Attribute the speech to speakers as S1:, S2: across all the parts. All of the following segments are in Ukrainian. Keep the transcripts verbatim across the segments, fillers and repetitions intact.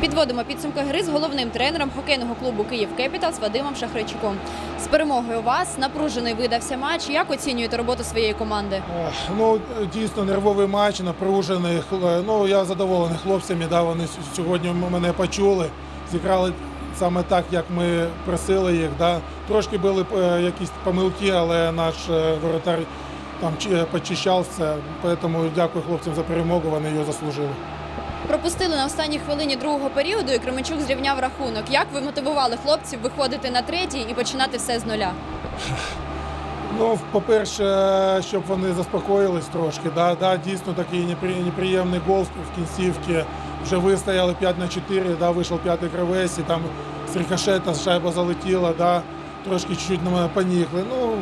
S1: Підводимо підсумки гри з головним тренером хокейного клубу «Київ Кепіталс» Вадимом Шахрайчуком. З перемогою у вас напружений видався матч. Як оцінюєте роботу своєї команди?
S2: Ну, дійсно нервовий матч, напружений. Ну, я задоволений хлопцями, да, вони сьогодні мене почули, зіграли саме так, як ми просили їх. Да. Трошки були якісь помилки, але наш воротар там почищався, тому дякую хлопцям за перемогу, вони її заслужили.
S1: Пропустили на останній хвилині другого періоду і Кременчук зрівняв рахунок. Як ви мотивували хлопців виходити на третій і починати все з нуля?
S2: Ну, по-перше, щоб вони заспокоїлись трошки. Да, да, дійсно такий неприємний гол в кінцівці. Вже вистояли п'ять на чотири, да, вийшов п'ятий гравець, і там з рикошета шайба залетіла, да, трошки чуть-чуть поніхли. Ну,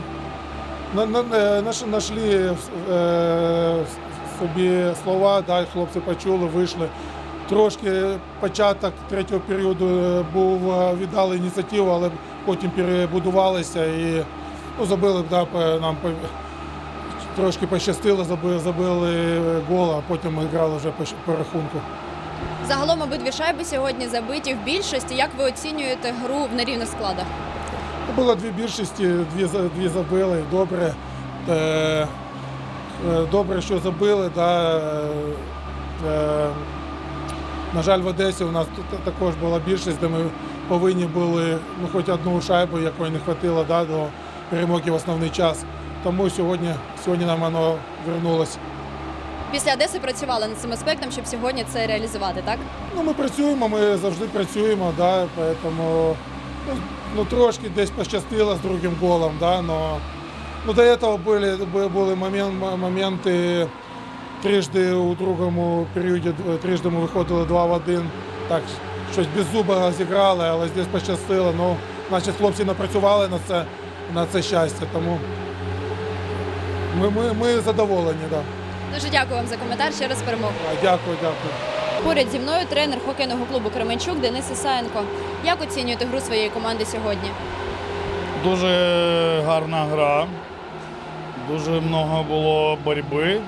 S2: знайшли е, собі слова, да, хлопці почули, вийшли. Трошки початок третього періоду був, віддали ініціативу, але потім перебудувалися і ну, забили, да, нам трошки пощастило, забили, забили гол, а потім ми грали вже по, по рахунку.
S1: Загалом обидві шайби сьогодні забиті в більшості. Як ви оцінюєте гру в нерівних складах?
S2: Було дві більшості, дві, дві забили, добре. Е, добре, що забили. Да. Е, на жаль, в Одесі у нас також була більшість, де ми повинні були ну, хоч одну шайбу, якої не вистачило, да, до перемоги в основний час. Тому сьогодні, сьогодні нам воно повернулося.
S1: Після Одеси працювали над цим аспектом, щоб сьогодні це реалізувати, так?
S2: Ну, ми працюємо, ми завжди працюємо, да, тому, ну, ну, трошки десь пощастило з другим голом, да, но, ну, до цього були, були момент, моменти, трижди у другому періоді, трижди ми виходили два в один, так, щось без зуба зіграли, але здесь пощастило, ну, значить, хлопці напрацювали на це, на це щастя, тому ми, ми, ми задоволені, да.
S1: Дуже дякую вам за коментар, ще раз перемогу.
S2: Дякую, дякую.
S1: Поряд зі мною тренер хокейного клубу Кременчук Денис Ісаєнко. Як оцінюєте гру своєї команди сьогодні?
S3: Дуже гарна гра, дуже багато було боротьби,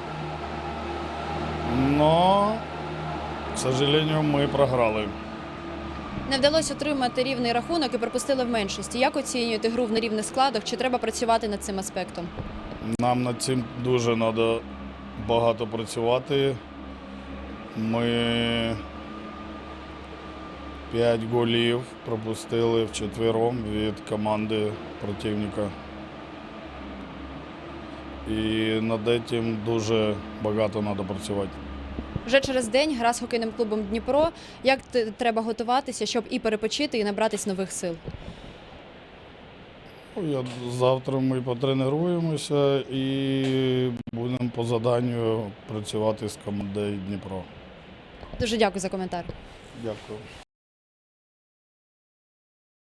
S3: але, к сожалению, ми програли.
S1: Не вдалося отримати рівний рахунок і пропустили в меншості. Як оцінюєте гру в нерівних складах? Чи треба працювати над цим аспектом?
S3: Нам над цим дуже треба багато працювати. Ми п'ять голів пропустили вчетвером від команди противника. І над цим дуже багато треба працювати.
S1: Вже через день гра з хокейним клубом Дніпро. Як треба готуватися, щоб і перепочити, і набратись нових сил?
S3: Я, завтра ми потренуємося і будемо по заданню працювати з командою Дніпро.
S1: Дуже дякую за коментар.
S3: Дякую.